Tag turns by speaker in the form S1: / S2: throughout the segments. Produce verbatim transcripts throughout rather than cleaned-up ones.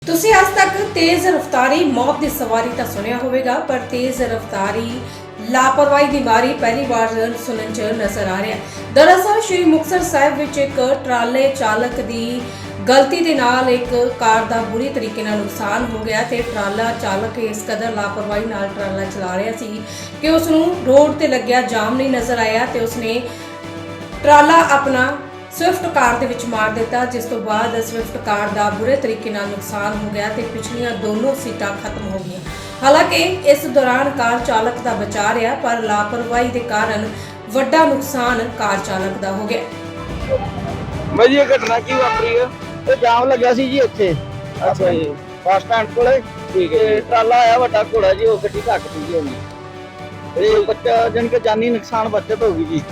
S1: ਤੁਸੀਂ ਅੱਜ ਤੱਕ ਤੇਜ਼ ਰਫ਼ਤਾਰੀ ਮੌਤ ਦੀ ਸਵਾਰੀ ਤਾਂ ਸੁਣਿਆ ਹੋਵੇਗਾ, ਪਰ ਤੇਜ਼ ਰਫ਼ਤਾਰੀ ਲਾਪਰਵਾਹੀ ਦੀ ਮਾਰੀ ਪਹਿਲੀ ਵਾਰ ਸੁਣਨ 'ਚ ਨਜ਼ਰ ਆ ਰਿਹਾ ਹੈ। ਦਰਅਸਲ ਸ਼੍ਰੀ ਮੁਕਤਸਰ ਸਾਹਿਬ ਵਿੱਚ ਇੱਕ ਟਰਾਲੇ ਚਾਲਕ ਦੀ ਗਲਤੀ ਦੇ ਨਾਲ ਇੱਕ ਕਾਰ ਦਾ ਬੁਰੀ ਤਰੀਕੇ ਨਾਲ ਨੁਕਸਾਨ ਹੋ ਗਿਆ ਤੇ ਟਰਾਲਾ ਚਾਲਕ ਇਸ ਕਦਰ ਲਾਪਰਵਾਹੀ ਨਾਲ ਟਰਾਲਾ ਚਲਾ ਰਿਹਾ ਸੀ ਕਿ ਉਸ ਨੂੰ ਰੋਡ ਤੇ ਲੱਗਿਆ ਜਾਮ ਨਹੀਂ ਨਜ਼ਰ ਆਇਆ ਤੇ ਉਸਨੇ ਟਰਾਲਾ ਆਪਣਾ ਸਵਿਫਟ ਕਾਰ ਦੇ ਵਿੱਚ ਮਾਰ ਦਿੱਤਾ, ਜਿਸ ਤੋਂ ਬਾਅਦ ਸਵਿਫਟ ਕਾਰ ਦਾ ਬੁਰੇ ਤਰੀਕੇ ਨਾਲ ਨੁਕਸਾਨ ਹੋ ਗਿਆ ਤੇ ਪਿਛਲੀਆਂ ਦੋਨੋਂ ਸੀਟਾਂ ਖਤਮ ਹੋ ਗਈਆਂ। ਹਾਲਾਂਕਿ ਇਸ ਦੌਰਾਨ ਕਾਰ ਚਾਲਕ ਦਾ ਬਚਾ ਰਿਹਾ, ਪਰ ਲਾਪਰਵਾਹੀ ਦੇ ਕਾਰਨ ਵੱਡਾ ਨੁਕਸਾਨ ਕਾਰ ਚਾਲਕ ਦਾ ਹੋ ਗਿਆ।
S2: ਭਾਜੀ ਇਹ ਘਟਨਾ ਕੀ ਵਾਪਰੀ ਹੈ?
S3: ਇਹ ਜਾਮ ਲੱਗਿਆ ਸੀ ਜੀ ਇੱਥੇ
S2: ਅੱਛਾ ਜੀ,
S3: ਬੱਸ ਸਟੈਂਡ ਕੋਲੇ।
S2: ਠੀਕ ਹੈ
S3: ਤੇ
S2: ਜੀ।
S3: ਟਰਾਲਾ ਆਇਆ ਵੱਡਾ ਘੋੜਾ ਜੀ, ਉਹ ਗੱਡੀ ਧੱਕਦੀ ਜੀ ਉਹਨੇ। ਤੇ ਬੱਚਾ ਜਾਣੀ ਕਿ ਜਾਨੀ ਨੁਕਸਾਨ ਬਚਤ ਹੋ ਗਈ ਜੀ,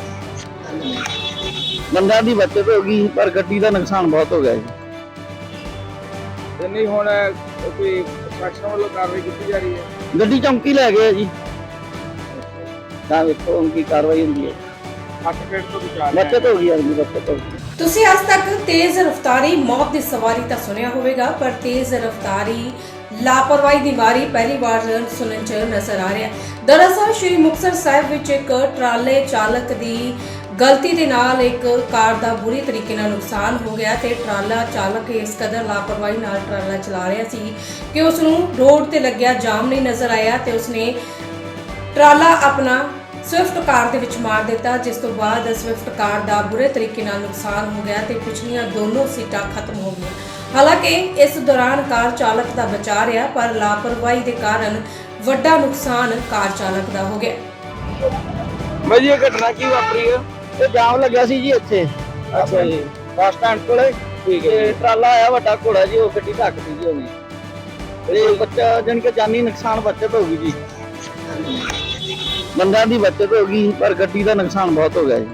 S3: ਬੰਦਿਆਂ ਦੀ ਬਚਤ ਹੋ ਗਈ, ਪਰ ਗੱਡੀ ਦਾ ਨੁਕਸਾਨ ਬਹੁਤ ਹੋ ਗਿਆ ਜੀ।
S2: ਤੇ ਨਹੀਂ ਹੁਣ ਕੋਈ ਪ੍ਰਸ਼ਾਸਨ ਵੱਲੋਂ ਕਾਰਵਾਈ ਕੀਤੀ ਜਾ ਰਹੀ ਹੈ?
S3: ਗੱਡੀ ਚੌਂਕੀ ਲੈ ਗਏ ਆ ਜੀ, ਤਾਂ ਵੇਖੋ ਹੁਣ ਕੀ ਕਾਰਵਾਈ ਹੁੰਦੀ ਹੈ।
S2: ਅੱਠ ਫੇਟ ਤੋਂ ਵਿਚਾਰ
S3: ਬਚਤ ਹੋ ਗਈ ਜੀ, ਬਚਤ ਹੋ ਗਈ।
S1: ਤੁਸੀਂ ਅੱਜ ਤੱਕ ਤੇਜ਼ ਰਫ਼ਤਾਰੀ ਮੌਤ ਦੀ ਸਵਾਰੀ ਤਾਂ ਸੁਣਿਆ ਹੋਵੇਗਾ, ਪਰ ਤੇਜ਼ ਰਫ਼ਤਾਰੀ ਲਾਪਰਵਾਹੀ ਦੀ ਮਾਰੀ ਪਹਿਲੀ ਵਾਰ ਸੁਣਨ 'ਚ ਨਜ਼ਰ ਆ ਰਿਹਾ ਹੈ। ਦਰਅਸਲ ਸ਼੍ਰੀ ਮੁਕਤਸਰ ਸਾਹਿਬ ਵਿੱਚ ਇੱਕ ਟਰਾਲੇ ਚਾਲਕ ਦੀ ਗਲਤੀ ਦੇ ਨਾਲ ਇੱਕ ਕਾਰ ਦਾ ਬੁਰੀ ਤਰੀਕੇ ਨਾਲ ਨੁਕਸਾਨ ਹੋ ਗਿਆ ਤੇ ਟਰਾਲਾ ਚਾਲਕ ਇਸ ਕਦਰ ਲਾਪਰਵਾਹੀ ਨਾਲ ਟਰਾਲਾ ਚਲਾ ਰਿਹਾ ਸੀ ਕਿ ਉਸ ਨੂੰ ਰੋਡ ਤੇ ਲੱਗਿਆ ਜਾਮ ਨਹੀਂ ਨਜ਼ਰ ਆਇਆ ਤੇ ਉਸਨੇ ਟਰਾਲਾ ਆਪਣਾ ਸਵਿਫਟ ਕਾਰ ਦੇ ਵਿੱਚ ਮਾਰ ਦਿੱਤਾ, ਜਿਸ ਤੋਂ ਬਾਅਦ ਸਵਿਫਟ ਕਾਰ ਦਾ ਬੁਰੇ ਤਰੀਕੇ ਨਾਲ ਨੁਕਸਾਨ ਹੋ ਗਿਆ ਤੇ ਪਿਛਲੀਆਂ ਦੋਨੋਂ ਸੀਟਾਂ ਖਤਮ ਹੋ ਗਈਆਂ। ਹਾਲਾਂਕਿ ਇਸ ਦੌਰਾਨ ਕਾਰ ਚਾਲਕ ਦਾ ਬਚਾ ਰਿਹਾ, ਪਰ ਲਾਪਰਵਾਹੀ ਦੇ ਕਾਰਨ ਵੱਡਾ ਨੁਕਸਾਨ ਕਾਰ ਚਾਲਕ ਦਾ ਹੋ ਗਿਆ।
S2: ਭਾਜੀ ਇਹ ਘਟਨਾ ਕੀ ਵਾਪਰੀ ਹੈ?
S3: ਇਹ ਜਾਮ ਲੱਗਿਆ ਸੀ ਜੀ ਇੱਥੇ
S2: ਅੱਛਾ ਜੀ,
S3: ਬੱਸ ਸਟੈਂਡ ਕੋਲੇ।
S2: ਠੀਕ ਹੈ
S3: ਤੇ
S2: ਜੀ।
S3: ਟਰਾਲਾ ਆਇਆ ਵੱਡਾ ਘੋੜਾ ਜੀ, ਉਹ ਗੱਡੀ ਧੱਕਦੀ ਜੀ ਉਹਨੇ। ਤੇ ਬੱਚਾ ਜਾਣੀ ਕਿ ਜਾਨੀ ਨੁਕਸਾਨ ਬਚਤ ਹੋ ਗਈ ਜੀ, ਬੰਦਿਆਂ ਦੀ ਬਚਤ ਹੋ ਗਈ, ਪਰ ਗੱਡੀ ਦਾ ਨੁਕਸਾਨ ਬਹੁਤ ਹੋ ਗਿਆ ਜੀ।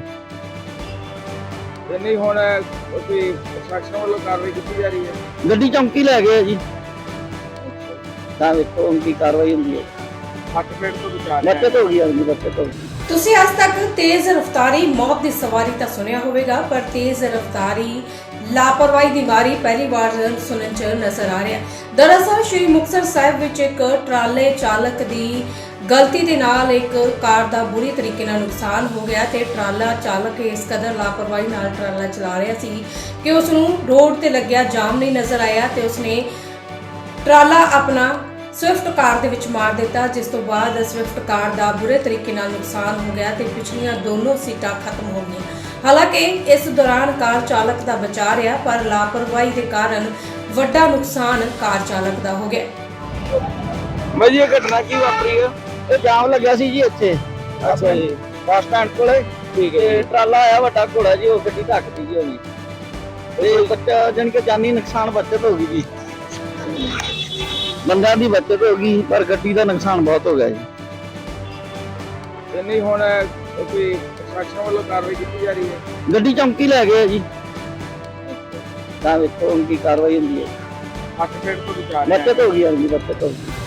S2: ਤੇ ਨਹੀਂ ਹੁਣ ਕੋਈ ਪ੍ਰਸ਼ਾਸਨ ਵੱਲੋਂ ਕਾਰਵਾਈ ਕੀਤੀ ਜਾ ਰਹੀ ਹੈ?
S3: ਗੱਡੀ ਚੌਂਕੀ ਲੈ ਗਏ ਆ ਜੀ, ਤਾਂ ਵੇਖੋ ਹੁਣ ਕੀ ਕਾਰਵਾਈ ਹੁੰਦੀ ਹੈ।
S2: ਅੱਠ ਫੇਟ ਤੋਂ ਵਿਚਾਰ
S3: ਬਚਤ ਹੋ ਗਈ ਜੀ, ਬਚਤ ਹੋ ਗਈ।
S1: ਤੁਸੀਂ ਅੱਜ ਤੱਕ ਤੇਜ਼ ਰਫ਼ਤਾਰੀ ਮੌਤ ਦੀ ਸਵਾਰੀ ਤਾਂ ਸੁਣਿਆ ਹੋਵੇਗਾ, ਪਰ ਤੇਜ਼ ਰਫ਼ਤਾਰੀ ਲਾਪਰਵਾਹੀ ਦੀ ਮਾਰੀ ਪਹਿਲੀ ਵਾਰ ਸੁਣਨ 'ਚ ਨਜ਼ਰ ਆ ਰਿਹਾ ਹੈ। ਦਰਅਸਲ ਸ਼੍ਰੀ ਮੁਕਤਸਰ ਸਾਹਿਬ ਵਿੱਚ ਇੱਕ ਟਰਾਲੇ ਚਾਲਕ ਦੀ ਗਲਤੀ ਦੇ ਨਾਲ ਇੱਕ ਕਾਰ ਦਾ ਬੁਰੀ ਤਰੀਕੇ ਨਾਲ ਨੁਕਸਾਨ ਹੋ ਗਿਆ ਤੇ ਟਰਾਲਾ ਚਾਲਕ ਇਸ ਕਦਰ ਲਾਪਰਵਾਹੀ ਨਾਲ ਟਰਾਲਾ ਚਲਾ ਰਿਹਾ ਸੀ ਕਿ ਉਸ ਨੂੰ ਰੋਡ ਤੇ ਲੱਗਿਆ ਜਾਮ ਨਹੀਂ ਨਜ਼ਰ ਆਇਆ ਤੇ ਉਸਨੇ ਟਰਾਲਾ ਆਪਣਾ ਸਵਿਫਟ ਕਾਰ ਦੇ ਵਿੱਚ ਮਾਰ ਦਿੱਤਾ, ਜਿਸ ਤੋਂ ਬਾਅਦ ਸਵਿਫਟ ਕਾਰ ਦਾ ਬੁਰੇ ਤਰੀਕੇ ਨਾਲ ਨੁਕਸਾਨ ਹੋ ਗਿਆ ਤੇ ਪਿਛਲੀਆਂ ਦੋਨੋਂ ਸੀਟਾਂ ਖਤਮ ਹੋ ਗਈਆਂ। ਹਾਲਾਂਕਿ ਇਸ ਦੌਰਾਨ ਕਾਰ ਚਾਲਕ ਦਾ ਬਚਾ ਰਿਹਾ, ਪਰ ਲਾਪਰਵਾਹੀ ਦੇ ਕਾਰਨ ਵੱਡਾ ਨੁਕਸਾਨ ਕਾਰ ਚਾਲਕ ਦਾ ਹੋ ਗਿਆ।
S2: ਭਾਜੀ ਇਹ ਘਟਨਾ ਕੀ ਵਾਪਰੀ ਹੈ?
S3: ਇਹ ਜਾਮ ਲੱਗਿਆ ਸੀ ਜੀ ਇੱਥੇ
S2: ਅੱਛਾ ਜੀ,
S3: ਬੱਸ ਸਟੈਂਡ ਕੋਲੇ।
S2: ਠੀਕ ਹੈ
S3: ਤੇ
S2: ਜੀ।
S3: ਟਰਾਲਾ ਆਇਆ ਵੱਡਾ ਘੋੜਾ ਜੀ, ਉਹ ਗੱਡੀ ਧੱਕਦੀ ਜੀ ਉਹਨੇ। ਤੇ ਬੱਚਾ ਜਾਣੀ ਕਿ ਜਾਨੀ ਨੁਕਸਾਨ ਬਚਤ ਹੋ ਗਈ ਜੀ, ਬੰਦਿਆਂ ਦੀ ਬਚਤ ਹੋ ਗਈ, ਪਰ ਗੱਡੀ ਦਾ ਨੁਕਸਾਨ ਬਹੁਤ ਹੋ ਗਿਆ ਜੀ।
S2: ਤੇ ਨਹੀਂ ਹੁਣ ਕੋਈ ਪ੍ਰਸ਼ਾਸਨ ਵੱਲੋਂ ਕਾਰਵਾਈ ਕੀਤੀ ਜਾ ਰਹੀ ਹੈ?
S3: ਗੱਡੀ ਚੌਂਕੀ ਲੈ ਗਏ ਆ ਜੀ, ਤਾਂ ਵੇਖੋ ਹੁਣ ਕੀ ਕਾਰਵਾਈ ਹੁੰਦੀ ਹੈ।
S2: ਅੱਠ ਫੇਟ ਤੋਂ ਵਿਚਾਰ
S3: ਬਚਤ ਹੋ ਗਈ ਜੀ, ਬਚਤ ਹੋ ਗਈ।